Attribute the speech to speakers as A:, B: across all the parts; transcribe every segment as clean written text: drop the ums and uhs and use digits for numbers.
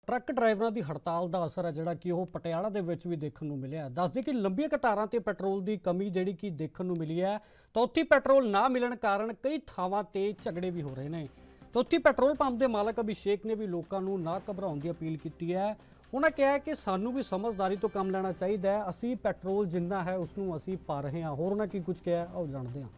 A: Truck ड्राइवरां दी हड़ताल का असर है जिहड़ा कि ओह पटियाला दे विच भी देखण नूं मिलिया। दस दे कि लंबीआं कतारां ते पेट्रोल की कमी जिहड़ी कि देखण नूं मिली है, तो उत्थे पेट्रोल ना मिलण कारण कई थावां ते झगड़े भी हो रहे हैं। तो उत्थे पेट्रोल पंप के मालक अभिषेक ने भी लोगों को ना घबराउण की अपील की है। उन्होंने कहा है कि सानू भी समझदारी तो काम लेना चाहिए, असी पेट्रोल जिन्ना है उसनूं असी पा रहे हैं। होर उन्होंने की कुछ कहा आओ जानते हैं।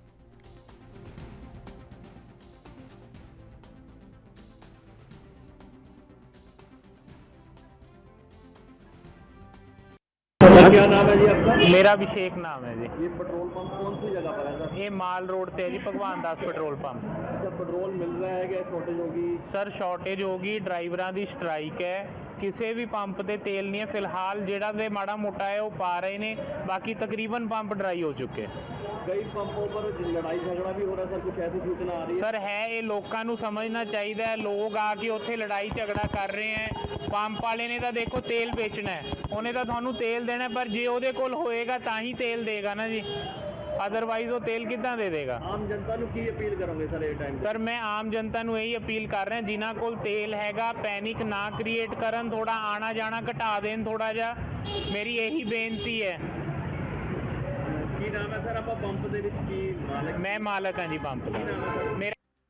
B: क्या नाम है जी आपका?
C: मेरा अभिषेक नाम है जी।
B: ये पेट्रोल पंप कौन सी जगह पर है सर?
C: ये माल रोड पे है जी, भगवान दास पेट्रोल पंप।
B: अच्छा, पेट्रोल मिल रहा है क्या? शॉर्टेज होगी?
C: सर शॉर्टेज होगी, ड्राइवरां दी स्ट्राइक है, किसी भी पंप ते तेल नहीं है फिलहाल। जेड़ा ते माड़ा मोटा है वो पा रहे ने, बाकी तकरीबन पंप ड्राई हो चुके।
B: कई पंपों पर लड़ाई झगड़ा भी हो रहा है सर, कुछ ऐसी सूचना आ रही है?
C: सर है ये लोगों को समझना चाहिए, लोग आके उत्थे लड़ाई झगड़ा कर रहे हैं। पंप वाले ने तो देखो तेल बेचना है, उन्हें तो थानू तेल देना है, पर जे ਉਹਦੇ ਕੋਲ होएगा ਤਾਂ ही तेल देगा ना जी, अदरवाइज वो तेल कितना दे देगा।
B: आम जनता ਨੂੰ ਕੀ अपील करोगे सर ये टाइम?
C: सर मैं आम जनता ਨੂੰ यही अपील कर रहा जिन्हों को तेल हैगा पैनिक ना क्रिएट करन, थोड़ा आना जाना घटा देन थोड़ा जा, मेरी यही बेनती है।
B: ਕੀ ਨਾਮ ਹੈ ਸਰ ਆਪਾਂ ਪੰਪ ਦੇ ਵਿੱਚ? ਕੀ ਮਾਲਕ?
C: मैं मालक हाँ जी पंप का। मेरा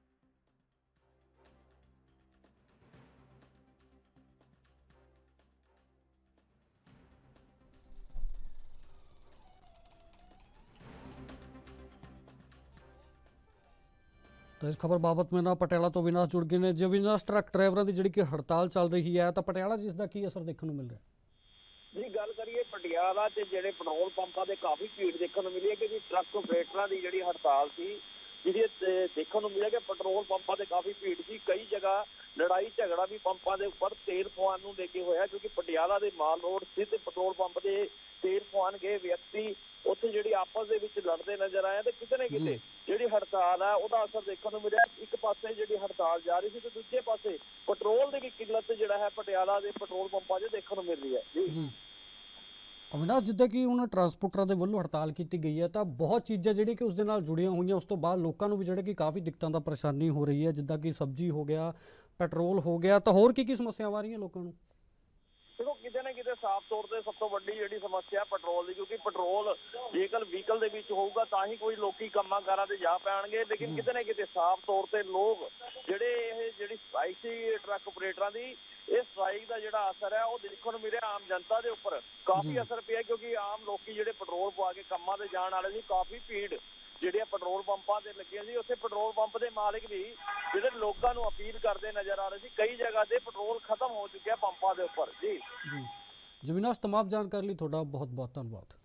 A: तो इस खबर बाबत में ना पटियाला तो विनाश जुड़ गए हैं। जो विनाश ट्रक ड्राइवरों की जिहड़ी कि हड़ताल चल रही है, तो पटियाला च इसका की असर देखने को मिल रहा है?
D: जी गल करिए पटियाला ते जेडे पेट्रोल पंपां दे काफ़ी भीड़ देखने मिली है, क्योंकि ट्रक ऑपरेटरां दी जेहड़ी हड़ताल सी जिहदी देखने को मिले कि पेट्रोल पंपां ते काफ़ी भीड़ सी। कई जगह लड़ाई झगड़ा भी पंपां दे उपर तेल पवाउण नूं लेके होया, क्योंकि पटियाला दे माल रोड स्थित पेट्रोल पंप दे तेल पवाउण गए व्यक्ति उत्थे जिहड़ी आपस दे विच लड़दे नजर आए, ते किते ना किते जिहड़ी हड़ताल है उहदा असर देखने को मिलिਆ। एक पासे जिहड़ी हड़ताल जारी सी ते दूजे पासे पेट्रोल की भी किल्लत जिहड़ा है पटियाला के पेट्रोल पंपां 'च देखने को मिल रही है जी।
A: अविनाश जिद्दां कि हुण ट्रांसपोर्टरां दे वल्लों हड़ताल की गई है, तो बहुत चीज़ां जिहड़ियां कि उस दे नाल जुड़ियां हुई, उस तो बाद लोगों को भी जिहड़े कि काफ़ी दिक्कतां दा परेशानी हो रही है, जिद्दां कि सब्जी हो गया, पेट्रोल हो गया, तो होर की समस्यावां आ रही लोगों को?
D: देखो किते ना किते साफ तौर पर सब तो वड्डी जिहड़ी समस्या पेट्रोल की, क्योंकि पेट्रोल जेकर व्हीकल दे विच होऊगा तां ही कोई लोकी कंमां कारां ते जा पैणगे। लेकिन किते ना किते साफ तौर पर लोग जिहड़े ये जिहड़ी स्ट्राइक सी ट्रक ऑपरेटरां दी, इस स्ट्राइक का जिहड़ा असर है वो देखने को मिले आम जनता के उपर काफ़ी असर पिया, क्योंकि आम लोग जिहड़े पेट्रोल पवा के कामां ते जाण वाले सी, काफ़ी भीड़ जिहड़ियां पेट्रोल पंपां ते लगियां सी। उत्थे पेट्रोल पंप के मालिक भी जिहड़े लोगों को अपील करते नजर आ रहे सी। कई जगह ते पेट्रोल खत्म हो चुका पंपां के उपर जी।
A: जी विनाश, तमाम जानकारी लिए थोड़ा बहुत बहुत धन्यवाद।